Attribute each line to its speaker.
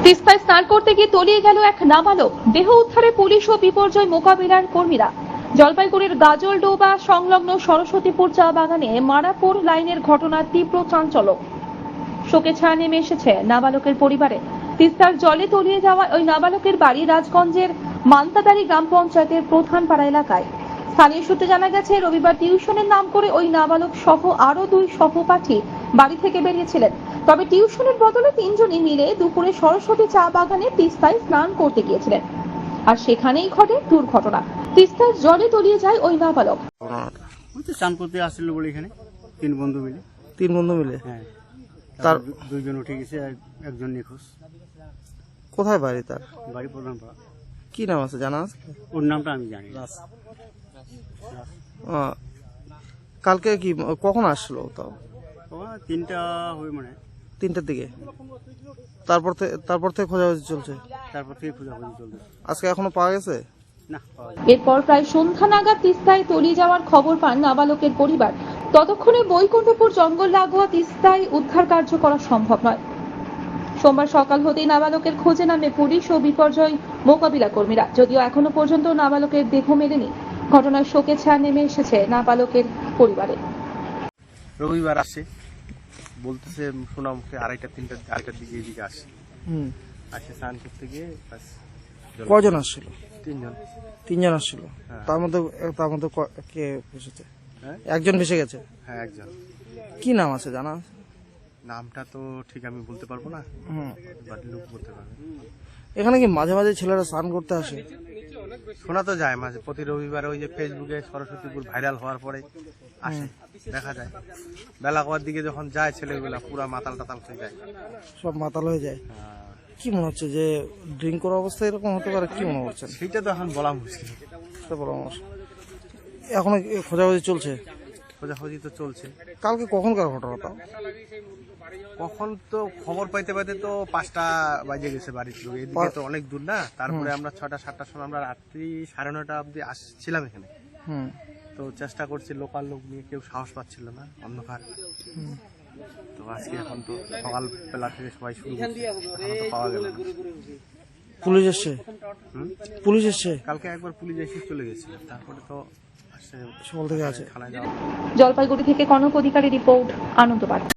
Speaker 1: তিস্তায় স্নান করতে গিয়ে তলিয়ে গেল এক নাবালক। দেহ উদ্ধারে পুলিশ ও বিপর্যয় মোকাবিলার কর্মীরা। জলপাইগুড়ির গাজলডোবা সংলগ্ন সরস্বতীপুর চা বাগানে মারাপুর লাইনের ঘটনার তীব্র চাঞ্চল্য। শোকে ছায়া নেমে এসেছে নাবালকের পরিবারে। তিস্তার জলে তলিয়ে যাওয়া ওই নাবালকের বাড়ি রাজগঞ্জের মান্তাদারি গ্রাম পঞ্চায়েতের প্রধান পাড়া এলাকায়। স্থানীয় সূত্রে জানা গেছে, রবিবার টিউশনের নাম করে ওই নাবালক সহ আরো দুই সহপাঠী বাড়ি থেকে বেরিয়েছিলেন। তবে টিউশনের বদলে তিনজনই মিলে দুপুরে সরস্বতী চা বাগানে তিস্তায় স্নান করতে গিয়েছিলেন, আর সেখানেই ঘটে দুর্ঘটনা। তিস্তার জলে তলিয়ে যায় ওই নাবালক।
Speaker 2: স্নান করতে আসছিল বলে এখানে তিন বন্ধু মিলে হ্যাঁ,
Speaker 3: তার
Speaker 2: দুইজন উঠে গেছে আর একজন নিখোঁজ।
Speaker 3: কোথায় বাড়ি? তার
Speaker 2: বাড়ি প্রধান পাড়া।
Speaker 3: কি নাম আছে জানা আছে?
Speaker 2: ওর নামটা আমি জানি না।
Speaker 3: কালকে কি কখন আসলো? তাও
Speaker 2: ও 3টা হয়ে মানে
Speaker 3: 3টার দিকে। তারপর থেকে খোঁজাখুঁজি চলছে।
Speaker 2: তারপর থেকে খোঁজাখুঁজি চলছে।
Speaker 3: আজকে এখনো পাওয়া গেছে
Speaker 2: না।
Speaker 1: এরপর প্রায় সন্ধ্যা নাগাদ তিস্তায় তলিয়ে যাওয়ার খবর পান নাবালকের পরিবার। ততক্ষণে বৈকুণ্ঠপুর জঙ্গল লাগোয়া তিস্তায় উদ্ধার কার্য করা সম্ভব নয়। সোমবার সকাল হতেই নাবালকের খোঁজে নামে পুলিশ ও বিপর্যয় মোকাবিলা কর্মীরা। যদিও এখনো পর্যন্ত নাবালকের দেহ মেলেনি। ঘটনায় শোকে ছায়া নেমে এসেছে নাবালকের পরিবারে।
Speaker 4: রবিবার আসে বলতেছে সোনামুখে 2:30-3টার দিকে এদিকে আসে। আসে স্নান করতে গিয়ে
Speaker 3: কজন আসছিল?
Speaker 4: 3 জন
Speaker 3: আসছিল।
Speaker 4: হ্যাঁ।
Speaker 3: তার মধ্যে কে ভেসেছে?
Speaker 4: হ্যাঁ?
Speaker 3: একজন ভেসে গেছে।
Speaker 4: হ্যাঁ, একজন।
Speaker 3: কি নাম আছে জানা আছে?
Speaker 4: নামটা তো ঠিক আমি বলতে পারবো না, বাড়ির লোক বলতে পারবে।
Speaker 3: এখানে কি মাঝে মাঝে ছেলেরা স্নান করতে আসে?
Speaker 4: শোনা তো যায় মাঝে, প্রতি রবিবার ওই যে ফেসবুকে সরস্বতীপুর ভাইরাল হওয়ার পরে আসে, দেখা যায়। বেলা করার দিকে যখন যায় ছেলেগুলা পুরা মাতাল টাতাল হয়ে যায়।
Speaker 3: সব মাতাল হয়ে যায়। কি মনে হচ্ছে যে ড্রিঙ্ক করা অবস্থায় এরকম হতে পারে? কি মনে করছেন?
Speaker 4: সেইটা তো এখন বলা মুশকিল।
Speaker 3: এখনো খোঁজাখুঁজি চলছে?
Speaker 4: খোঁজাখুঁজি তো চলছে।
Speaker 3: কালকে কখনকার ঘটনা? তাও
Speaker 4: কখন তো খবর পাইতে পাইতে তো 5টা বাজে গেছে বাড়ির লোক, এদিকে তো অনেক দূর না। তারপরে আমরা 6টা-7টার সময় আমরা রাত্রি 9:30 অব্দি আসছিলাম এখানে। তো চেষ্টা করছি, লোকাল লোক নিয়ে কেউ সাহস পাচ্ছিল না, অন্ধকার। তো আজকে এখন তো সকাল বেলা থেকে সবাই শুরু করছে, এখনো তো পাওয়া গেল না।
Speaker 3: পুলিশ এসছে?
Speaker 4: কালকে একবার পুলিশ এসে চলে গেছে, তারপরে তো আসছে
Speaker 3: সকাল থেকে আছে।
Speaker 4: থানায় যাওয়া।
Speaker 1: জলপাইগুড়ি থেকে কনক অধিকারী রিপোর্ট, আনন্দবার্তা।